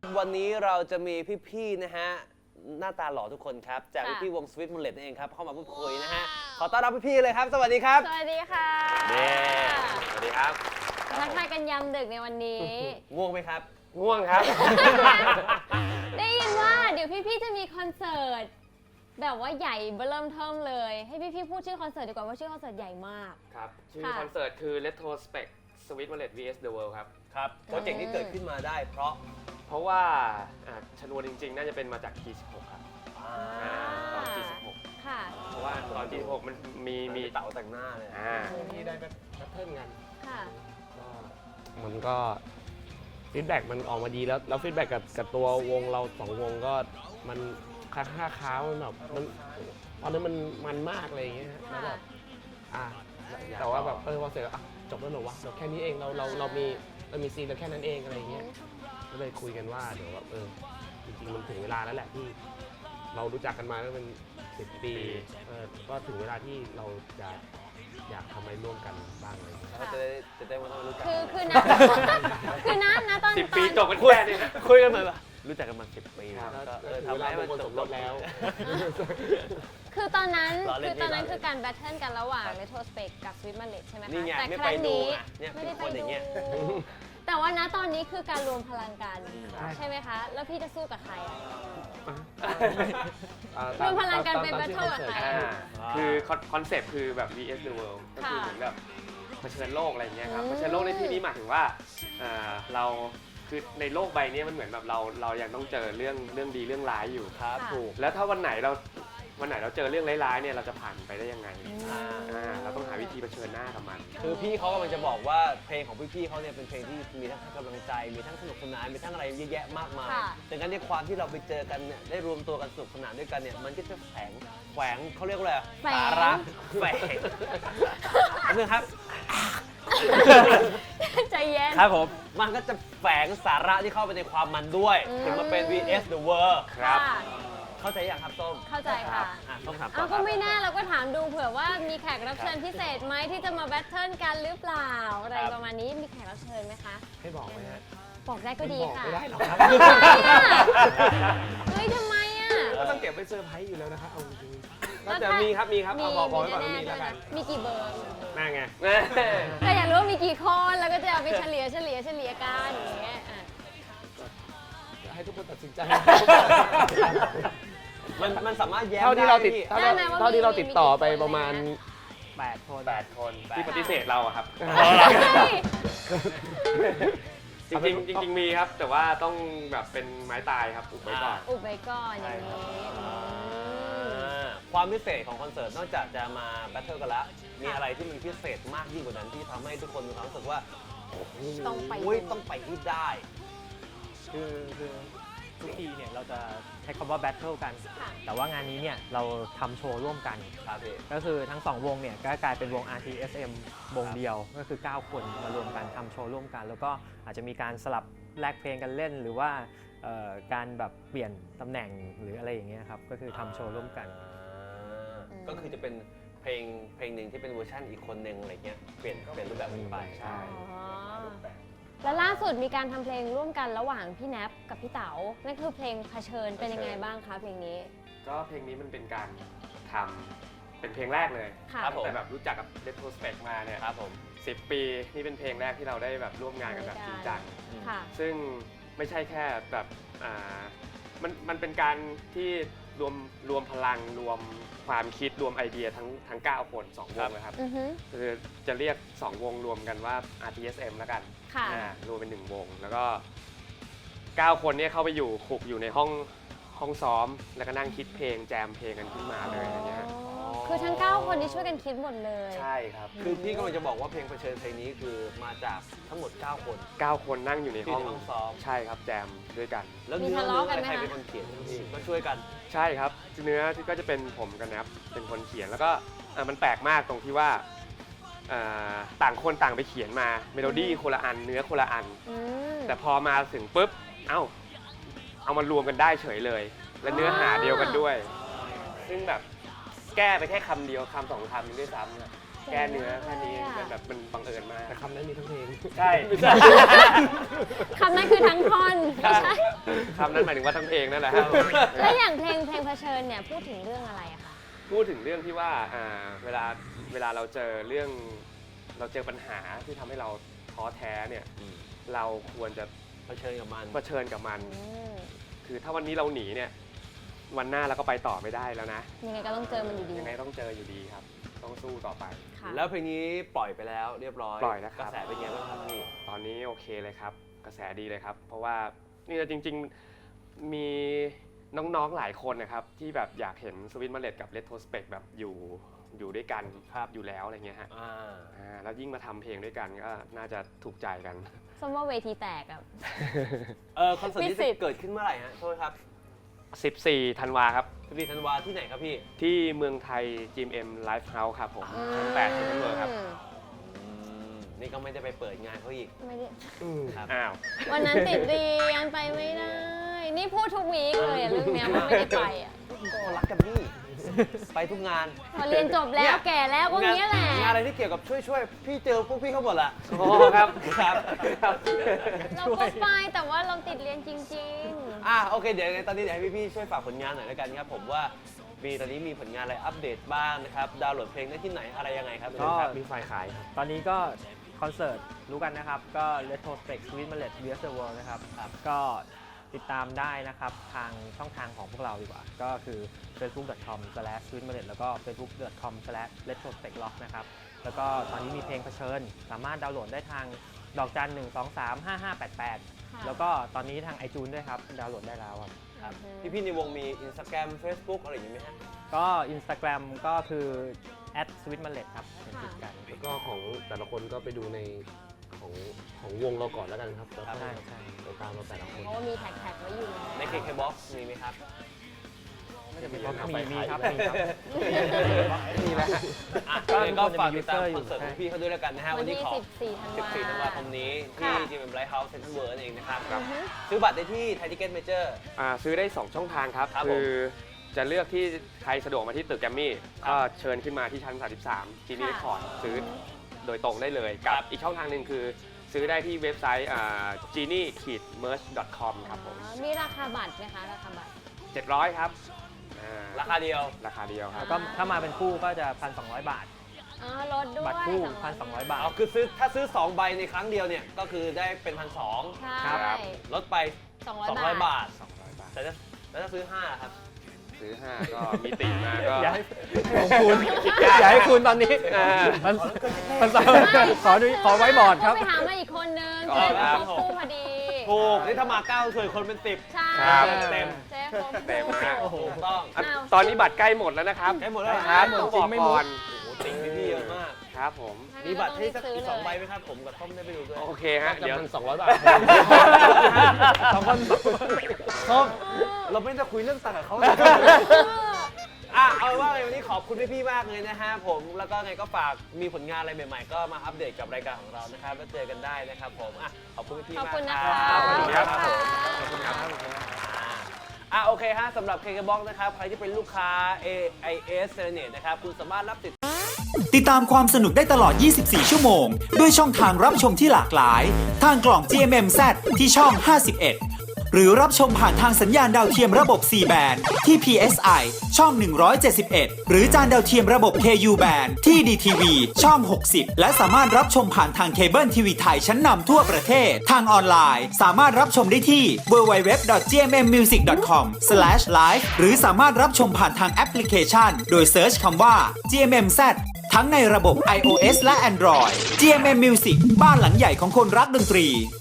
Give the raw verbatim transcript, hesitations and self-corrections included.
วันนี้เราจะมีพี่ๆนะฮะหน้าตาหล่อทุกคนครับจากพี่ๆวง Sweet Mullet นั่นเองครับเข้ามาพูดคุยนะฮะขอต้อนรับพี่ๆเลยครับสวัสดีครับสวัสดีค่ะเด้สวัสดีครับทักทายกันยามดึกในวันนี้ง่วงไหมครับง่วงครับได้ยินว่าเดี๋ยวพี่ๆจะมีคอนเสิร์ตแบบว่าใหญ่เริ่มเทิมเลยให้พี่ๆพูดชื่อคอนเสิร์ตดีกว่าว่าชื่อคอนเสิร์ตใหญ่มากครับชื่อคอนเสิร์ตคือ Retrospect Sweet Mullet วี เอส The World ครับครับโปรเจกต์ที่เกิดขึ้นมาได้เพราะเพราะว่าชนวนจริงๆน่าจะเป็นมาจาก ที สิบหก ครับตอน ที สิบหกค่ะเพราะว่าตอน ที สิบหก มันมีมีเต๋าแต่งหน้าเลยที่ได้แบบแบทเทิลกันค่ะก็มันก็ฟีดแบ็กมันออกมาดีแล้วแล้วฟีดแบ็กกับกับตัววงเราสองวงก็มันค่าค่าค้ามันแบบมันตอนนี้มันมันมากอะไรอย่างเงี้ยแล้วแบบอ่ะแต่ว่าแบบเออพอเสร็จแล้วจบแล้วเหรอวะเดี๋ยวแค่นี้เองเราเราเรามีเรามีซีนเราแค่นั้นเองอะไรอย่างเงี้ยก็เลยคุยกันว่าเดี๋ยวแบบเออจริงๆมันถึงเวลาแล้วแหละที่เรารู้จักกันมาแล้วเป็นสิบปีเออก็ถึงเวลาที่เราจะอยากทำอะไรร่วมกันบ้างเลยก็จะได้จะได้มาทำรู้จักคือคือนะคือนะนะตอนสิบปีจบกันแค่นี้คุยกันมารู้จักกันมาสิบปีแล้วทำให้มันจบลงแล้วคือตอนนั้นคือตอนนั้นคือการแบทเทิลกันระหว่าง Retrospect กับ Sweet Mullet ใช่ไหมคะแต่ครั้งนี้ไม่ได้ไปดูแต่ว่านะตอนนี้คือการรวมพลังกันใช่ไหมคะแล้วพี่จะสู้กับใครรวมพลังกันเป็นแบทเทิลกับใครคือคอนเซปต์คือแบบ วี เอส The World ก็คือเหมือนแบบเผชิญโลกอะไรอย่างเงี้ยครับเผชิญโลกในที่นี้หมายถึงว่าเราคือในโลกใบนี้มันเหมือนแบบเราเรายังต้องเจอเรื่องเรื่องดีเรื่องร้ายอยู่ครับถูกแล้วถ้าวันไหนเราวันไหนเราเจอเรื่องร้ายๆเนี่ยเราจะผ่านไปได้ยังไงอ่าเราต้องหาวิธีเผชิญหน้ากับมันคือพี่เขากำลังจะบอกว่าเพลงของพี่ๆเขาเนี่ยเป็นเพลงที่มีทั้งให้กำลังใจมีทั้งสนุกสนานมีทั้งอะไรเยอะแยะมากมายดังนั้นในความที่เราไปเจอกันเนี่ยได้รวมตัวกันสนุกสนานด้วยกันเนี่ยมันก็จะแฝงแฝงเขาเรียกว่าอะไรสาระแฝงนะครับใจเย็นครับผมมันก็จะแฝงสาระที่เข้าไปในความมันด้วยถึงมาเป็น วี เอส The World ครับเข้าใจยังครับส้มเข้าใจค่ะส้มถามเอาก็ไม่แน่เราก็ถามดูเผื่อว่ามีแขกรับเชิญพิเศษไหมที่จะมาแบทเทิลกันหรือเปล่าอะไรประมาณนี้มีแขกรับเชิญไหมคะให้บอกไหมฮะบอกได้ก็ดีค่ะไม่ได้หรอกครับเฮ้ยทำไมอ่ะก็ต้องเก็บไว้เซอร์ไพรส์อยู่แล้วนะครับเอาจริงก็จะมีครับมีครับเอาบอกบอกไว้ก่อนมีแล้วกันมีกี่เบอร์น่าไงแต่อยากรู้ว่ามีกี่คนแล้วก็จะเอาไปเฉลี่ยเฉลี่ยเฉลี่ยกันอย่างเงี้ยให้ทุกคนตัดสินใจมันมันสามารถแย้มเท่าที่เราติดเท่าที่เราติดต่อไปประมาณแปดคนแปดคนที่ปฏิเสธเราอะครับจริงจริงจริงมีครับแต่ว่าต้องแบบเป็นไม้ตายครับอุบไว้ก่อนอุบไว้ก่อนอย่างนี้ความพิเศษของคอนเสิร์ตนอกจากจะมาแบทเทิลกันแล้วมีอะไรที่มันพิเศษมากยิ่งกว่านั้นที่ทำให้ทุกคนมีความรู้สึกว่าต้องไปต้องไปให้ได้คือคือทุกทีเนี่ยเราจะใช้คำว่าแบทเทิลกันแต่ว่างานนี้เนี่ยเราทำโชว์ร่วมกันก็คือทั้งสองวงเนี่ยก็กลายเป็นวง อาร์ ที เอส เอ็ม วงเดียวก็คือเก้าคนมารวมกันทำโชว์ร่วมกันแล้วก็อาจจะมีการสลับแลกเพลงกันเล่นหรือว่าการแบบเปลี่ยนตำแหน่งหรืออะไรอย่างเงี้ยครับก็คือทำโชว์ร่วมกันก็คือจะเป็นเพลงเพลงหนึ่งที่เป็นเวอร์ชันอีกคนหนึ่งอะไรเงี้ยเปลี่ยนเปลี่ยนรูปแบบไปใช่แล้วล่าสุดมีการทำเพลงร่วมกันระหว่างพี่แนปกับพี่เต๋านั่นคือเพลงเผชิญเป็นยังไงบ้างคะเพลงนี้ก็เพลงนี้มันเป็นการทำเป็นเพลงแรกเลยแต่แบบรู้จักกับ Retrospect มาเนี่ยครับผมสิบปีนี่เป็นเพลงแรกที่เราได้แบบร่วมงานกันแบบจริงจังซึ่งไม่ใช่แค่แบบอ่ามันมันเป็นการที่รวมรวมพลังรวมความคิดรวมไอเดียทั้งทั้งเก้าคนสองวงเลยครับคือจะเรียกสองวงรวมกันว่า อาร์ ที เอส เอ็ม แล้วกันรวมเป็นหนึ่งวงแล้วก็เก้าคนนี้เข้าไปอยู่ขุกอยู่ในห้องห้องซ้อมแล้วก็นั่งคิดเพลงแจมเพลงกันขึ้นมาเลยอย่างเงี้ยคือทั้งเก้าคนนี้ช่วยกันคิดหมดเลยใช่ครับคือพี่กำลังจะบอกว่าเพลงเผชิญเพลงนี้คือมาจากทั้งหมดเก้าคนเก้าคนนั่งอยู่ในห้องซ้อมใช่ครับแจมด้วยกันแล้วเนื้อเนื้อใครเป็นคนเขียนพี่ก็ช่วยกันใช่ครับเนื้อที่ก็จะเป็นผมกับแนปเป็นคนเขียนแล้วก็มันแปลกมากตรงที่ว่าต่างคนต่างไปเขียนมาเมโลดี้คนละอันเนื้อคนละอันแต่พอมาถึงปุ๊บเอ้าเอามารวมกันได้เฉยเลยและเนื้อหาเดียวกันด้วยซึ่งแบบแก้ไปแค่คำเดียวคำสองคำด้วยซ้ำนะแก้เนื้อแค่นี้มันแบบมันบังเอิญมากแต่คำนั้นมีทั้งเพลงใช่คำนั้นคือทั้งท่อนไม่ใช่คำนั้นหมายถึงว่าทั้งเพลงนั่นแหละครับแล้วอย่างเพลงเพลงเผชิญเนี่ยพูดถึงเรื่องอะไรอะคะพูดถึงเรื่องที่ว่าอ่าเวลาเวลาเราเจอเรื่องเราเจอปัญหาที่ทำให้เราท้อแท้เนี่ยเราควรจะเผชิญกับมันเผชิญกับมันอืมคือถ้าวันนี้เราหนีเนี่ยวันหน้าเราก็ไปต่อไม่ได้แล้วนะยังไงก็ต้องเจอมันอยู่ดียังไงต้องเจออยู่ดีครับ ต้องสู้ต่อไปค่ะแล้วเพลงนี้ปล่อยไปแล้วเรียบร้อยปล่อยแล้วครับกระแสเป็นไงบ้างครับพี่ตอนนี้โอเคเลยครับ กระแสดีเลยครับ เพราะว่านี่จริงๆมีน้องๆหลายคนนะครับ ที่แบบอยากเห็นสวิตมาเลตกับ Retrospect แบบอยู่อยู่ด้วยกันครับอยู่แล้วอะไรเงี้ยฮะอ่าอ่าแล้วยิ่งมาทำเพลงด้วยกันก็น่าจะถูกใจกันส้มว่าเวทีแตกอะเออคอนเสิร์ตนี้มีสิทธิ์จะเกิดขึ้นเมื่อไหร่ฮะโทษครับสิบสี่ธันวาครับสิบสี่ธันวาที่ไหนครับพี่ที่เมืองไทย จี เอ็ม เอ็ม Live House ครับผมชั้นแปดชั้นเวิร์ครับอืมนี่ก็ไม่ได้ไปเปิดงานเขาอีกไม่ได้ครับอ้าววันนั้นติดเรียนไปไม่ได้ นี่พูดทุกวีคเลยอะเรื่องเนี้ยมันไม่ได้ไปอะก็รักกันนี่ ไปทุกงานพอเรียนจบแล้วแก่แล้วก็เงี้ยแหละงานอะไรที่เกี่ยวกับช่วยช่วยๆพี่เจอพวกพี่เขาหมดละโอ้ครับครับเราก็ไปแต่ว่าเราติดเรียนจริงอ่ะโอเคเดี๋ยวยังไงตอนนี้เดี๋ยวให้พี่ๆช่วยฝากผลงานหน่อยแล้วกันครับผมว่ามีตอนนี้มีผลงานอะไรอัปเดตบ้างนะครับดาวน์โหลดเพลงได้ที่ไหนอะไรยังไงครับก็มีไฟล์ขายครับตอนนี้ก็คอนเสิร์ตรู้กันนะครับ ก็ Retrospect Sweet Mallet vs the World นะครับ ก็ติดตามได้นะครับทางช่องทางของพวกเราดีกว่า ก็คือ facebook dot com slash sweet mallet แล้วก็ facebook dot com slash retrospect rock นะครับ แล้วก็ตอนนี้มีเพลงเผชิญ สามารถดาวน์โหลดได้ทางดอกจันหนึ่งสองสามห้าห้าแปดแปดค่ะแล้วก็ตอนนี้ทาง iTunes ด้วยครับ ดาวน์โหลดได้แล้วครับๆครับอืมพี่ๆในวงมี Instagram Facebook อะไรอย่างนี้ไหมฮะก็ Instagram ก็คือ at sweet mallet ครับเขียนติดกันแล้วก็ของแต่ละคนก็ไปดูในของของวงเราก่อนแล้วกันครับแล้วก็ใช่ใช่ไปตามเราแต่ละคนเพราะว่ามีแท็กๆไว้อยู่ใน เค เค Box มีไหมครับน่าจะเป็นก็มีมีครับมีมีครับมีแล้วอ่ะก็ยังไงก็ฝากติดตามมีคอนเสิร์ต user ของพี่เขาด้วยแล้วกันนะฮะวัวัน นที่นี้ขอสิบสี่ธันวาสิบสี่ธันวาคมนี้ที่ค่ะจี เอ็ม Live House Central World เองนะครับอือฮึซื้อบัตรได้ที่ไทยทิเก็ตเมเจอร์อ่าซื้อได้ สอง ช่องทางครับครับผมคือจะเลือกที่ใครสะดวกมาที่ตึกแกรมมี่ครับก็เชิญขึ้นมาที่ชั้น สามสิบสาม จี นี่ค่ะคอร์ดซื้อโดยตรงได้เลย กับครับอีกช่องทางหนึ่งคือซื้อได้ที่เว็บไซต์ จี นี่ เมิร์ช ดอท คอม ครับผมอ๋อมีราคาบัตรไหมคะ ราคาบัตรเจ็ดร้อยครับอ่าราคาเดียวราคาเดียวครับแล้วก็ถ้ามาเป็นคู่ก็จะ หนึ่งพันสองร้อย บาทอ๋อลดด้วยบัตรคู่สองหนึ่งพันสองร้อย บาทเอาคือซื้อถ้าซื้อสองใบในครั้งเดียวเนี่ยก็คือได้เป็นพันสองใช่ครับลดไปสองสองร้ร้ออย ยบาทบาทสองร้อย บาทแต่ถ้าแล้วถ้าซื้อห้าล่ะครับซื้อ ห้า ก็มีติมาก็อย่าให้ของคุณอย่าให้คุณตอนนี้อ่ามันมันขอดูขอไว้บอร์ดครับไปหามาอีกคนนึงอ๋จะอได้ครับครบคู่พอดีถูกนี่ถ้ามาเก้าส่วนคนเป็นสิบใช่ครับเต็มเจ๊ครบเต็มฮะโอ้โหถูกต้องอ่ะอ้าวตอนนี้บัตรใกล้หมดแล้วนะครับได้หมดแล้วเหรอครับอ้าวต้องบอกก่อนโอ้โหติ่งพี่ๆเยอะมากครับผมมีบัตรให้สักอีกสองใบไหมครับผมกับต้อมได้ไปดูด้วยโอเคฮะจะเดี๋ยวพันสองร้อยบาทสองคนต้อมเราไม่ได้คุยเรื่องตังค์กับเขา อ่ะเอาว่าไงวันนี้ขอบคุณพี่ๆมากเลยนะฮะผมแล้วก็ไงก็ฝากมีผลงานอะไรใหม่ๆ ก็มาอัปเดตกับรายการของเรานะครับแล้วเจอกันได้นะครับผมอ่ะขอบคุณพี่ๆขอบมากคุณนะคคะรับขอบคุณครับขอบขอบคุณครับอ่ะโอเคฮะสำหรับ เค เค Box นะครับใครที่เป็นลูกค้า เอ ไอ เอส Serenade นะครับคุณสามารถรับติดติดตามความสนุกได้ตลอด ยี่สิบสี่ ชั่วโมง ด้วยช่องทางรับชมที่หลากหลาย ทางกล่อง จี เอ็ม เอ็ม แซด ที่ช่อง ห้าสิบเอ็ด หรือรับชมผ่านทางสัญญาณดาวเทียมระบบ ซี แบนด์ ที่ พี เอส ไอ ช่อง หนึ่งร้อยเจ็ดสิบเอ็ด หรือจานดาวเทียมระบบ เค ยู แบนด์ ที่ ดี ที วี ช่อง หกสิบ และสามารถรับชมผ่านทางเคเบิลทีวีไทยชั้นนำทั่วประเทศ ทางออนไลน์ สามารถรับชมได้ที่ ดับเบิลยู ดับเบิลยู ดับเบิลยู ดอท จี เอ็ม เอ็ม มิวสิก ดอท คอม สแลช ไลฟ์ หรือสามารถรับชมผ่านทางแอปพลิเคชัน โดยเซิร์ชคำว่า จี เอ็ม เอ็ม แซด ทั้งในระบบ ไอ โอ เอส และ Android จี เอ็ม เอ็ม Music บ้านหลังใหญ่ของคนรักดนตรี